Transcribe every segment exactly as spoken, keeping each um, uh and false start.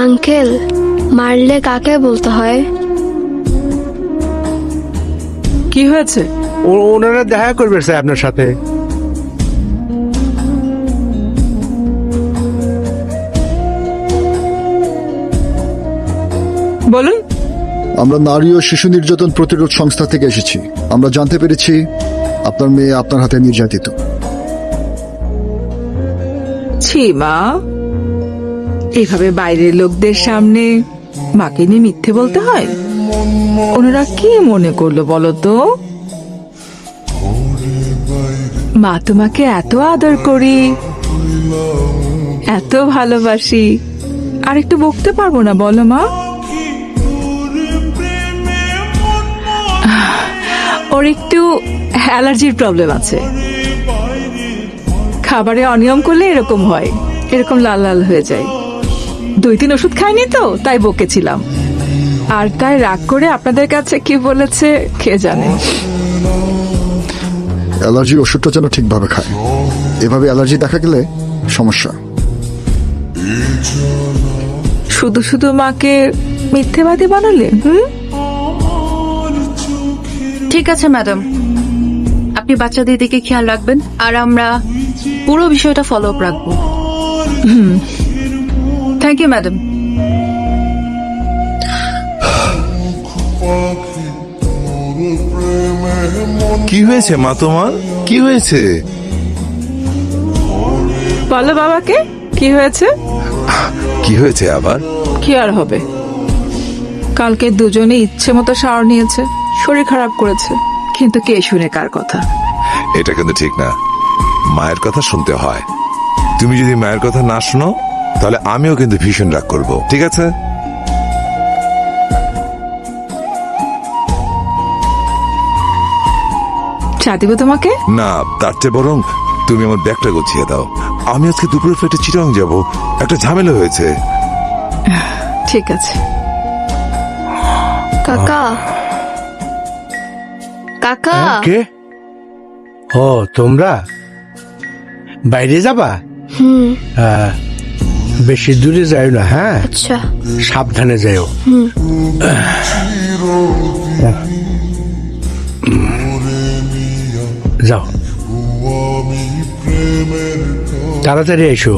Uncle, মারলে কাকে বলতে হয়? কি হয়েছে? ওনারা দেখা করবে স্যার আপনার সাথে। বলুন। আমরা নারী ও শিশু নির্যাতন প্রতিরোধ সংস্থা থেকে এসেছি। আমরা জানতে পেরেছি আপনার মেয়ে আপনার হাতে নির্যাতিত। ছি মা, এইভাবে বাইরের লোকদের সামনে মাকে নিয়ে মিথ্যে বলতে হয়? ওনারা কি মনে করলো বলো তো? মা তোমাকে এত আদর করি, এত ভালোবাসি, আর একটু বকতে পারবো না বলো মা? ওর একটু অ্যালার্জির প্রবলেম আছে, খাবারে অনিয়ম করলে এরকম হয়, এরকম লাল লাল হয়ে যায়। দুই তিন ওষুধ খায়নি তো, তাই বকেছিলাম। আর তাই রাগ করে আপনাদের কাছে কি বলেছে কে জানে। অ্যালার্জির ওষুধটা যেন ঠিকভাবে খায়, এভাবে অ্যালার্জি দেখা গেলে সমস্যা। শুধু শুধু মাকে মিথ্যেবাদী বানালে। হুম, ঠিক আছে ম্যাডাম, আপনি বাচ্চাদের দিকে খেয়াল রাখবেন, আর আমরা পুরো বিষয়টা ফলো আপ রাখবো। হুম, থ্যাংক ইউ ম্যাডাম। কি হয়েছে মা তোমার? কি হয়েছে? বলো বাবাকে কি হয়েছে। কি হয়েছে আবার? কি আর হবে, কালকে দুজনে ইচ্ছে মতো শাওয়ার নিয়েছে, শরীর খারাপ করেছে, কিন্তু কে শুনে কার কথা? এটা কিন্তু ঠিক না, মায়ের কথা শুনতে হয়। তুমি যদি মায়ের কথা না শোনো তাহলে আমিও কিন্তু ভীষণ রাগ করব, ঠিক আছে? চা দিব তোমাকে? না, তার চেয়ে বরং তুমি আমার ব্যাগটা গুছিয়ে দাও। আমি আজকে দুপুরে ফ্লাইটে চিটাং যাব, একটা ঝামেলা হয়েছে। ঠিক আছে। কাকা, কাকা, কে? ও তোমরা বাইরে যাবা? হুম, হ্যাঁ, বেশি দূরে যাও না, হ্যাঁ আচ্ছা, সাবধানে যাও। যাও, তাড়াতাড়ি এসো।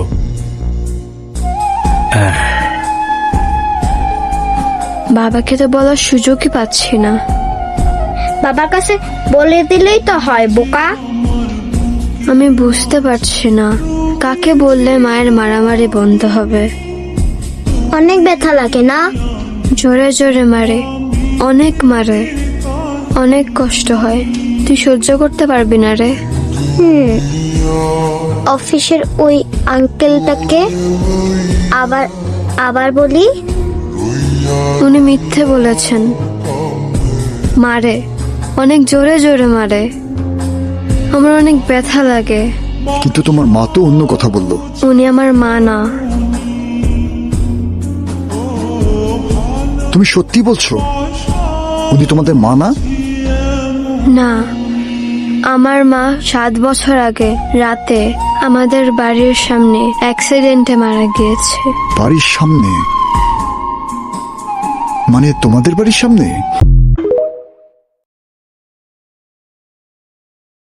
বাবাকে তো বলার সুযোগই পাচ্ছি না। বাবার কাছে বলে দিলেই তো হয় বোকা। আমি বুঝতে পারছি না কাকে বললে মায়ের মারামারি বন্ধ হবে। অনেক ব্যথা লাগে না? জোরে জোরে মারে, অনেক মারে, অনেক কষ্ট হয়। তুই সহ্য করতে পারবি না রে। হুম, অফিসের ওই আঙ্কেলটাকে আবার আবার বলি। উনি মিথ্যে বলেছেন, মারে, অনেক জোরে জোরে মারে, আমার অনেক ব্যথা লাগে। কিন্তু তোমার মা তো অন্য কথা বললো। উনি আমার মা না। তুমি সত্যি বলছো উনি তোমাদের মা না? না, আমার মা সাত বছর আগে রাতে আমাদের বাড়ির সামনে অ্যাক্সিডেন্টে মারা গিয়েছে। বাড়ির সামনে? মানে তোমাদের বাড়ির সামনে?